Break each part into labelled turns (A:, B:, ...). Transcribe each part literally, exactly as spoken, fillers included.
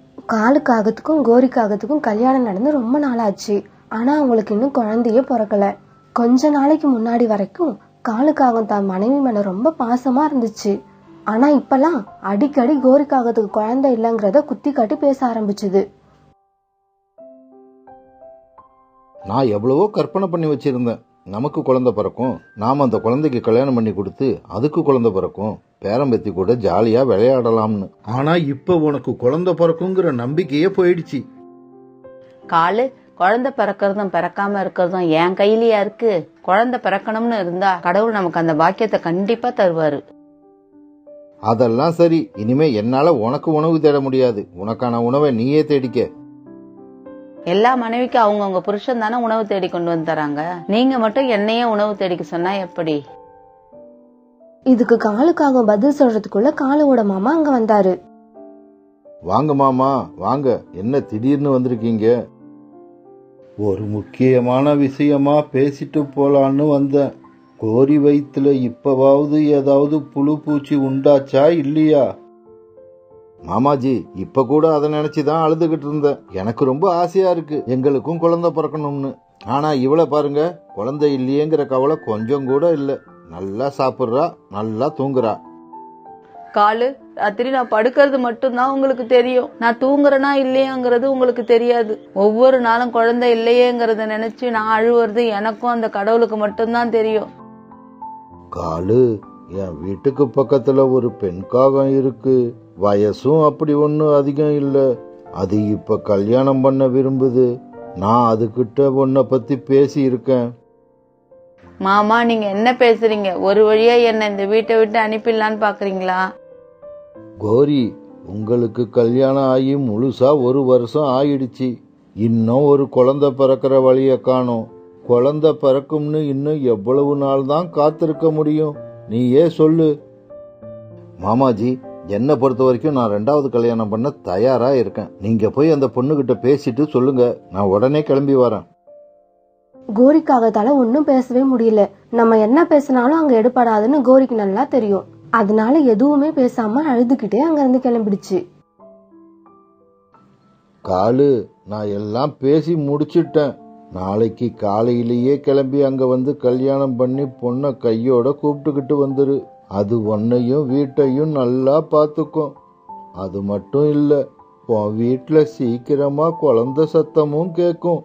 A: காலுக்காகத்துக்கும் கோரிக்காகத்துக்கும் கல்யாணம் நடந்து ரொம்ப நாளாச்சு. ஆனா அவங்களுக்கு இன்னும் குழந்தையே பிறக்கல. கொஞ்ச நாளைக்கு முன்னாடி வரைக்கும் காலுக்காகம் தான் மனைவி மேல ரொம்ப பாசமா இருந்துச்சு. ஆனா இப்பெல்லாம் அடிக்கடி கோரிக்காகத்துக்கு குழந்தை இல்லைங்கிறத குத்தி காட்டி பேச ஆரம்பிச்சுது.
B: நான் எவ்வளவோ கற்பனை பண்ணி வச்சிருந்தேன். நமக்கு குழந்தை பிறக்கும், நாம அந்த குழந்தைக்கு கல்யாணம் பண்ணி கொடுத்து அதுக்கு குழந்தை பிறக்கும், பேரம்பத்தி கூட ஜாலியா விளையாடலாம்னு. ஆனா இப்ப உனக்கு குழந்தை பிறக்குங்கிற நம்பிக்கையே போயிடுச்சு.
C: காலு, குழந்தை பிறக்கிறதும் பிறக்காம இருக்கிறதும் என் கையிலயா இருக்கு? குழந்தை பிறக்கணும்னு இருந்தா கடவுள் நமக்கு அந்த பாக்கியத்தை கண்டிப்பா தருவாரு.
B: அதெல்லாம் சரி, இனிமே என்னால உனக்கு உணவு தேட முடியாது. உனக்கான உணவை நீயே தேடிக்க.
C: எல்லா மனைவிக்கும் அவங்கவுங்க புருஷன் தானே உணவு தேடி கொண்டு வந்து தராங்க. நீங்க மட்டும் என்னையே உணவு தேடிக்க சொன்னா எப்படி?
A: இதுக்கு காலுக்காக பதில் சொல்றதுக்குள்ள காலுவோட மாமா அங்க வந்தாரு.
B: வாங்க மாமா, வாங்க. என்ன திடீர்னு வந்திருக்கீங்க? ஒரு முக்கியமான விஷயமா பேசிட்டு போலான்னு வந்தேன். கோரி வயிற்றுல இப்பவாவது ஏதாவது புழு பூச்சி உண்டாச்சா இல்லையா? மாமாஜி, இப்ப கூட அதை நினைச்சுதான் அழுதுகிட்டு இருந்தேன். எனக்கு ரொம்ப ஆசையா இருக்கு எங்களுக்கும் குழந்தை பிறக்கணும்னு. ஆனா இவளை பாருங்க, குழந்தை இல்லையேங்கிற கவலை கொஞ்சம் கூட இல்ல. நல்லா சாப்பிடுறா, நல்லா தூங்குறா.
C: காலு, ராத்திரி நான் படுக்கிறது மட்டும்தான் உங்களுக்கு தெரியும். நான் தூங்குறேனா இல்லையாங்கிறது உங்களுக்கு தெரியாது. ஒவ்வொரு நாளும் குழந்தை இல்லையேங்கிறத நினைச்சு நான் அழுவுறது எனக்கும் அந்த கடவுளுக்கு மட்டும்தான் தெரியும்.
B: காலு, என் வீட்டுக்கு பக்கத்துல ஒரு பெண் காகம் இருக்கு. வயசும் அப்படி ஒன்னும் அதிகம் இல்ல. அது இப்ப கல்யாணம் பண்ண விரும்புது. நான் அதுகிட்ட உன்னை பத்தி பேசி இருக்கேன்.
C: மாமா, நீங்க என்ன பேசுறீங்க? ஒரு வழியா என்ன இந்த வீட்டை விட்டு அனுப்பிடலான்னு பாக்குறீங்களா?
B: கோரி, உங்களுக்கு கல்யாணம் ஆகி முழுசா ஒரு வருஷம் ஆயிடுச்சு. இன்னும் ஒரு குழந்தை பிறக்கிற வழிய காணோம். குழந்தை பிறக்கும்னு இன்னும் எவ்வளவு நாள் தான் காத்திருக்க முடியும்? நீயே சொல்லு. மாமாஜி, என்னை பொறுத்த வரைக்கும் நான் ரெண்டாவது கல்யாணம் பண்ண தயாரா இருக்கேன். நீங்க போய் அந்த பொண்ணுகிட்ட பேசிட்டு சொல்லுங்க, நான் உடனே கிளம்பி வரேன்.
A: கோரிக்காகத்தால ஒன்னும் பேசவே முடியல. நம்ம என்ன பேசினாலும் அங்க எடுபடாதுன்னு கோரிக்கு நல்லா தெரியும். அதனால எதுவுமே பேசாம அழுதுகிட்டே அங்க இருந்து கிளம்பிடுச்சு.
B: காலு, நான் எல்லாம் பேசி முடிச்சிட்டேன். நாளைக்கு காலையிலேயே கிளம்பி அங்க வந்து கல்யாணம் பண்ணி பொண்ணை கையோட கூப்பிட்டுக்கிட்டு வந்துரு. அது உன்னையும் வீட்டையும் நல்லா பாத்துக்கும். அது மட்டும் இல்ல, உன் வீட்டுல சீக்கிரமா குழந்தை சத்தமும் கேக்கும்.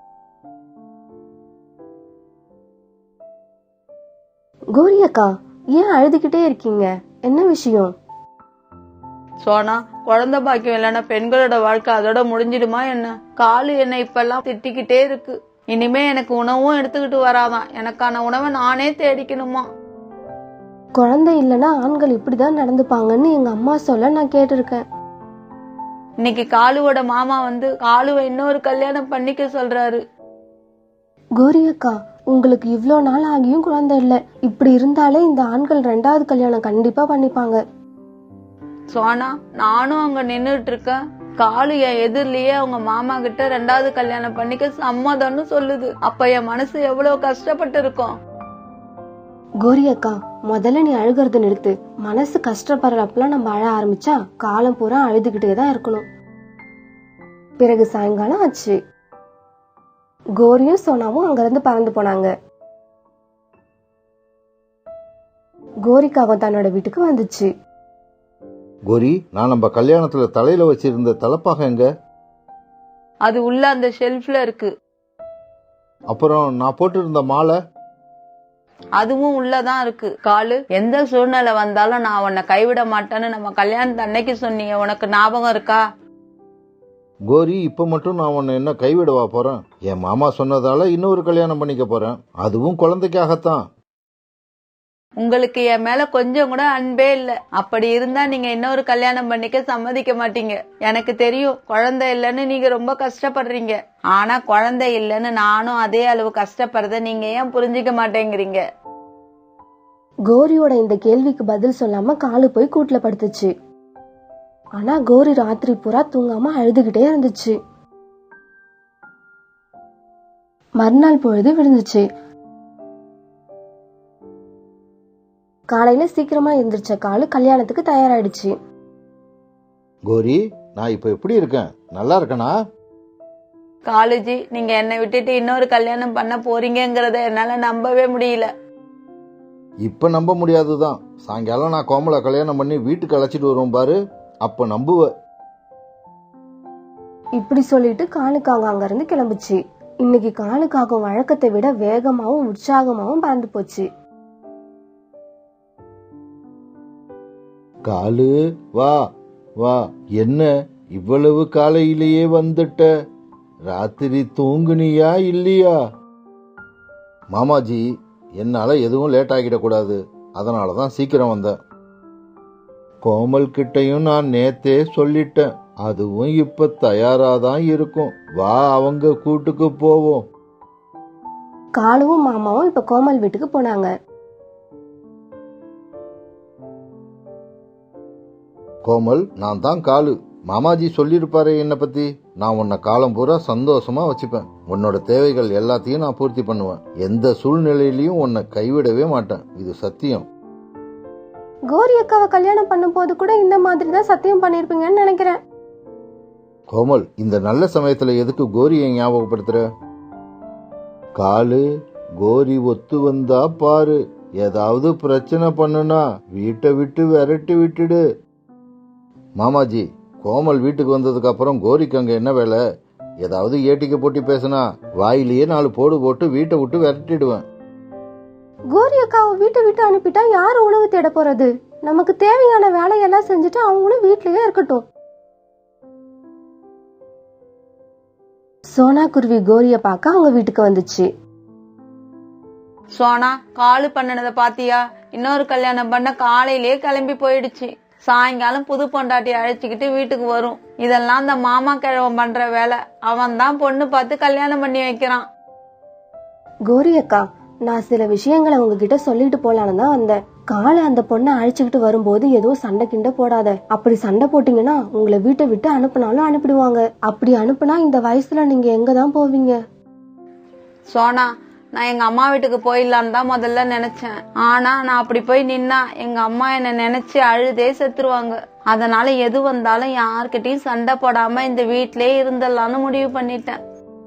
A: கோரி அக்கா, ஏன் அழுதுகிட்டே இருக்கீங்க? என்ன விஷயம்?
C: சோனா, குழந்தை பாக்கியம் இல்லைன்னா பெண்களோட வாழ்க்கை அதோட முடிஞ்சிடுமா என்ன? காலு என்ன இப்பெல்லாம் திட்டிக்கிட்டே இருக்கு. இனிமே எனக்கு உணவும் எடுத்துக்கிட்டு வராதான். எனக்கான உணவை நானே தேடிக்கணுமா?
A: குழந்தை இல்லைன்னா ஆண்கள் இப்படிதான் நடந்துப்பாங்கன்னு எங்க அம்மா சொல்ல நான் கேட்டிருக்கேன்.
C: இன்னைக்கு காலுவோட மாமா வந்து காலுவை இன்னொரு கல்யாணம் பண்ணிக்க சொல்றாரு.
A: கோரி அக்கா, உங்களுக்கு இவ்ளோ நாள் ஆகியும் குழந்தை இல்ல. இப்படி இருந்தாலே இந்த ஆண்கள் ரெண்டாவது கல்யாணம் கண்டிப்பா பண்ணிப்பாங்க.
C: சோனா, நானும் அங்க நின்னுட்டு இருக்கேன். காலு என் எதிரிலேயே அவங்க மாமா கிட்ட ரெண்டாவது கல்யாணம் பண்ணிக்க சம்மதம்னு சொல்லுது. அப்ப என் மனசு எவ்வளவு கஷ்டப்பட்டு இருக்கும்.
A: கோரி அக்கா, முதல்ல நீ அழுகிறது நிறுத்து. மனசு கஷ்டப்படுறப்பெல்லாம் நம்ம அழ ஆரம்பிச்சா காலம் பூரா அழுதுகிட்டேதான் இருக்கணும். பிறகு சாயங்காலம் ஆச்சு. கோரியும் சோனாவும் அங்க இருந்து பறந்து போனாங்க. கோரிக்காக தன்னோட வீட்டுக்கு வந்துச்சு.
B: கோரி, நான் நம்ம கல்யாணத்துல தலையில வச்சிருந்த தலப்பாக எங்க?
C: அது உள்ள அந்த ஷெல்ஃப்ல இருக்கு.
B: அப்புறம் நான் போட்டு இருந்த மாலை?
C: அதுவும் உள்ளதான் இருக்கு. காலு, எந்த சூழ்நிலை வந்தாலும் நான் உன்னை கைவிட மாட்டேன்னு நம்ம கல்யாணத்து அன்னைக்கு சொன்னீங்க, உனக்கு ஞாபகம் இருக்கா?
B: கோரி, இப்ப மட்டும் நான் உன்னை என்ன கைவிடவா போறேன்? என் மாமா சொன்னதால இன்னொரு கல்யாணம் பண்ணிக்க போறேன். அதுவும் குழந்தைக்காகத்தான்.
C: உங்களுக்கு என் மேல கொஞ்சம் கூட அன்பே இல்ல. அப்படி இருந்தா நீங்க இன்னொரு கல்யாணம் பண்ணிக்க சம்மதிக்க மாட்டீங்க. எனக்கு தெரியும் குழந்தை இல்லைன்னு நீங்க ரொம்ப கஷ்டப்படுறீங்க. ஆனா குழந்தை இல்லைன்னு நானும் அதே அளவு கஷ்டப்படுறத நீங்க ஏன் புரிஞ்சுக்க மாட்டேங்கிறீங்க?
A: கோரியோட இந்த கேள்விக்கு பதில் சொல்லாம காலு போய் கூட்டுல படுத்துச்சு. ஆனா கோரி ராத்திரி பூரா தூங்காம அழுதுகிட்டே இருந்துச்சு. மறுநாள் பொழுது விழுந்துச்சு. காலையில சீக்கிரமா எந்திரிச்ச காலு கல்யாணத்துக்கு தயாராயிடுச்சு.
B: கோரி, நான் இப்ப எப்படி இருக்கேன்? நல்லா இருக்கேனா?
C: காலுஜி, நீங்க என்னை விட்டுட்டு இன்னொரு கல்யாணம் பண்ண போறீங்கங்கறத என்னால நம்பவே முடியல.
B: இப்ப நம்ப முடியாதுதான். சாயங்காலம் நான் கோமலை கல்யாணம் பண்ணி வீட்டுக்கு அழைச்சிட்டு வருவோம் பாரு, அப்ப நம்புவ.
A: இப்படி சொல்லிட்டு காலுக்காகம் அங்க இருந்து கிளம்புச்சு. இன்னைக்கு காலுக்காகம் வழக்கத்தை விட வேகமாவும் உற்சாகமாவும் பறந்து போச்சு.
B: காலு, வா வா. என்ன இவ்வளவு காலையிலேயே வந்துட்ட? ராத்திரி தூங்குனியா இல்லையா? மாமாஜி, என்னால எதுவும் லேட் ஆகிடக்கூடாது, அதனாலதான் சீக்கிரம் வந்தேன். கோமல் கிட்டையும் நான் நேத்தே சொல்லிட்டேன், அதுவும் இப்ப தயாராதான் இருக்கும். வா, அவங்க கூட்டுக்கு போவோம்.
A: காலுவும் மாமாவும் இப்ப கோமல் வீட்டுக்கு போனாங்க.
B: கோமல், நான் தான் காலு. மாமாஜி சொல்லிருப்பாரு என்ன பத்தி. நான் உன்னை காலம் பூரா சந்தோஷமா வச்சுப்பேன். உன்னோட தேவைகள் எல்லாத்தையும் நான் பூர்த்தி பண்ணுவேன். எந்த சூழ்நிலையிலயும் உன்னை கைவிடவே மாட்டேன், இது சத்தியம்.
A: கோரி அக்காவை கல்யாணம் பண்ணும் போது கூட இந்த மாதிரி தான் சத்தியம் பண்ணிருப்பீங்கன்னு நினைக்கிறேன்.
B: கோமல், இந்த நல்ல சமயத்துல எதுக்கு கோரியை ஞாபகப்படுத்துற? காலு, கோரி ஒத்து வந்தா பாரு. ஏதாவது பிரச்சனை பண்ணுனா வீட்டை விட்டு விரட்டி விட்டுடு. மாமாஜி, கோமல் வீட்டுக்கு வந்ததுக்கு அப்புறம் கோரிக்கு அங்க என்ன வேலை? ஏதாவது ஏட்டிக்கு போட்டி பேசினா வாயிலேயே நாலு போடு போட்டு வீட்டை விட்டு விரட்டிடுவேன்.
A: கோரி அக்காவை வீட்டை விட்டு அனுப்பிட்டா யாரு உணவு தேட போறது? நமக்கு தேவையான வேலையெல்லாம் செஞ்சுட்டு அவங்களும் வீட்லயே இருக்கட்டும். சோனா குருவி கோரிய பார்க்க அவங்க வீட்டுக்கு வந்துச்சு.
C: சோனா, காலு பண்ணனத பாத்தியா? இன்னொரு கல்யாணம் பண்ண காலையிலேயே கிளம்பி போயிடுச்சு. சாயங்காலம் புது பொண்டாட்டி அழைச்சிக்கிட்டு வீட்டுக்கு வரும். இதெல்லாம் அந்த மாமா கிழவன் பண்ற வேலை. அவன் தான் பொண்ணு பார்த்து கல்யாணம் பண்ணி வைக்கிறான்.
A: கோரி அக்கா, நான் சில விஷயங்களை உங்ககிட்ட சொல்லிட்டு போலான்னு தான் வந்தேன். காலை அந்த பொண்ணை அழைச்சுக்கிட்டு வரும்போது ஏதோ சண்டை கிண்ட போடாத. அப்படி சண்டை போட்டீங்கன்னா உங்களை வீட்டை விட்டு அனுப்புனாலும் அனுப்பிடுவாங்க. அப்படி அனுப்புனா இந்த வயசுல நீங்க எங்கதான் போவீங்க?
C: சோனா, நான் எங்க அம்மா வீட்டுக்கு போயிடலான்னு தான் முதல்ல நினைச்சேன். ஆனா நான் அப்படி போய் நின்னா எங்க அம்மா என்ன நினைச்சு அழுதே செத்துருவாங்க. அதனால எது வந்தாலும் யார்கிட்டயும் சண்டை போடாம இந்த வீட்லயே இருந்துடலான்னு முடிவு பண்ணிட்டேன்.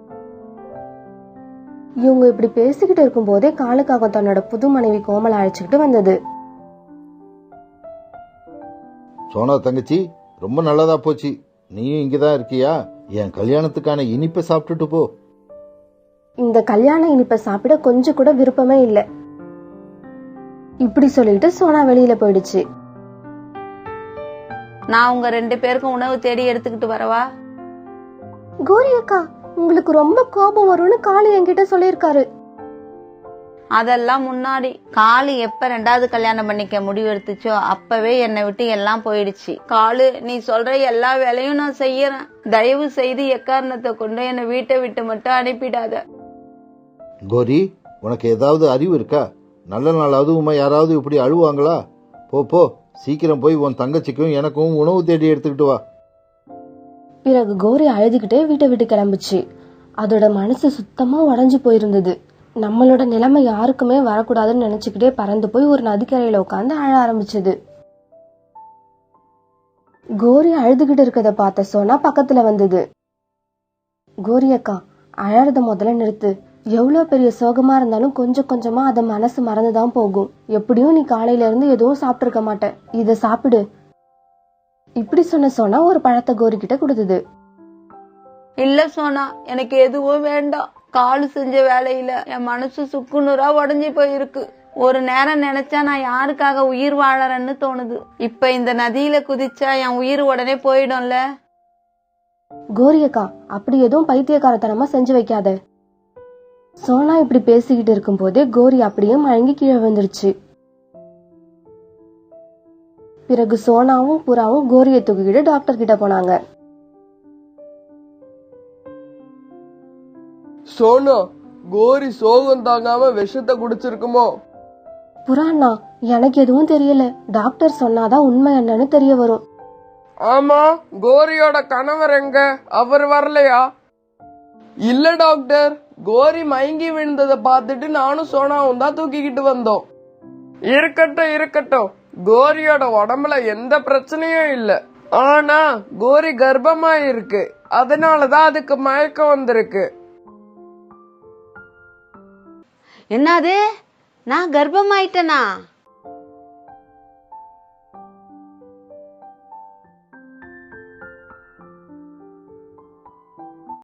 A: இவங்க இப்படி பேசிக்கிட்டு இருக்கும் போதே காலுக்காக தன்னோட புது மனைவி கோமலை அழைச்சுக்கிட்டு வந்தது.
B: சோனா தங்கச்சி, ரொம்ப நல்லதா போச்சு. நீயும் இங்கதான் இருக்கியா? என் கல்யாணத்துக்கான இனிப்பை சாப்பிட்டுட்டு போ.
A: இந்த கல்யாண இனிப்பை சாப்பிட கொஞ்சம் கூட விருப்பமே இல்ல. இப்படி சொல்லிட்டு சோனா வெளியில போயிடுச்சு.
C: நான் உங்க ரெண்டு பேருக்கும் உணவு தேடி எடுத்துக்கிட்டு வரவா?
A: கோரி அக்கா, உங்களுக்கு ரொம்ப கோபம் வரும்னு காளி என்கிட்ட சொல்லிருக்காரு.
C: அதெல்லாம் முன்னாடி. காளு எப்ப ரெண்டாவது கல்யாணம் பண்ணிக்க முடிவு எடுத்துச்சோ அப்பவே என்னை விட்டு எல்லாம் போயிடுச்சு. காளு, நீ சொல்ற எல்லா வேலையும் நான் செய்யறேன். தயவு செய்து எக்காரணத்தை கொண்டு என்னை வீட்டை விட்டு மட்டும் அனுப்பிடாத.
B: கோரி, உனக்கு ஏதாவது அறிவு இருக்கா? நல்ல நாள் அதுவுமா யாராவது இப்படி அழுவாங்களா? போ போ, சீக்கிரம் போய் உன் தங்கச்சிக்கும் எனக்கும் உணவு தேடி எடுத்துக்கிட்டு வா.
A: பிறகு கோரி அழுதுகிட்டே வீட்டை விட்டு கிளம்புச்சு. அதோட மனசு சுத்தமா உடைஞ்சு போயிருந்தது. நம்மளோட நிலைமை யாருக்குமே வரக்கூடாதுன்னு நினைச்சுக்கிட்டே பறந்து போய் ஒரு நதிக்கரையில உட்காந்து அழ ஆரம்பிச்சது. கோரி அழுதுகிட்டு இருக்கத பார்த்த சோனா பக்கத்துல வந்தது. கோரி அக்கா, அழறத முதல்ல நிறுத்து. எவ்வளவு பெரிய சோகமா இருந்தாலும் கொஞ்சம் கொஞ்சமா அத மனசு மறந்துதான் போகும். எப்படியும் நீ காலையில இருந்து எதுவும் சாப்பிட்டு இருக்க மாட்ட, இத சாப்பிடு. இப்படி சொன்ன சோனா ஒரு பழத்தை கோரி கிட்ட கொடுத்தது.
C: இல்ல சோனா, எனக்கு எதுவும் வேண்டாம். காலு செஞ்ச வேலையில என் மனசு சுக்குநூறா உடஞ்சி போயிருக்கு. ஒரு நேரம் நினைச்சா நான் யாருக்காக உயிர் வாழறேன்னு தோணுது. இப்ப இந்த நதியில குதிச்சா என் உயிர் உடனே போயிடும்ல.
A: கோரி அக்கா, அப்படி எதுவும் பைத்தியக்காரத்தனமா செஞ்சு வைக்காத. சோனா இப்படி பேசிக்கிட்டு இருக்கும் போதே கோரி அப்படியே மயங்கி கீழே விழுந்துருச்சு. பிறகு சோனாவும் புறாவும் கோரியை தூக்கிக்கிட்டு டாக்டர் கிட்ட போனாங்க.
D: சோனா, கோரி சோகம் தாங்காம விஷத்தை குடிச்சிருக்குமோ?
A: புறாண்ணா, எனக்கு எதுவும் தெரியல. டாக்டர் சொன்னாதான் உண்மை என்னன்னு தெரிய வரும்.
D: ஆமா, கோரியோட கணவர் எங்க? அவர் வரலையா? இல்ல டாக்டர், கோரி மயங்கி விழுந்ததை பார்த்துட்டு நானும் சோனாவும் தான் தூக்கிக்கிட்டு வந்தோம். இருக்கட்டும் இருக்கட்டும், கோரியோட உடம்புல எந்த பிரச்சனையும் இல்ல. ஆனா கோரி கர்ப்பமா இருக்கு, அதனாலதான் அதுக்கு மயக்கம் வந்திருக்கு.
C: என்னது, நான் கர்ப்பமாயிட்டேனா?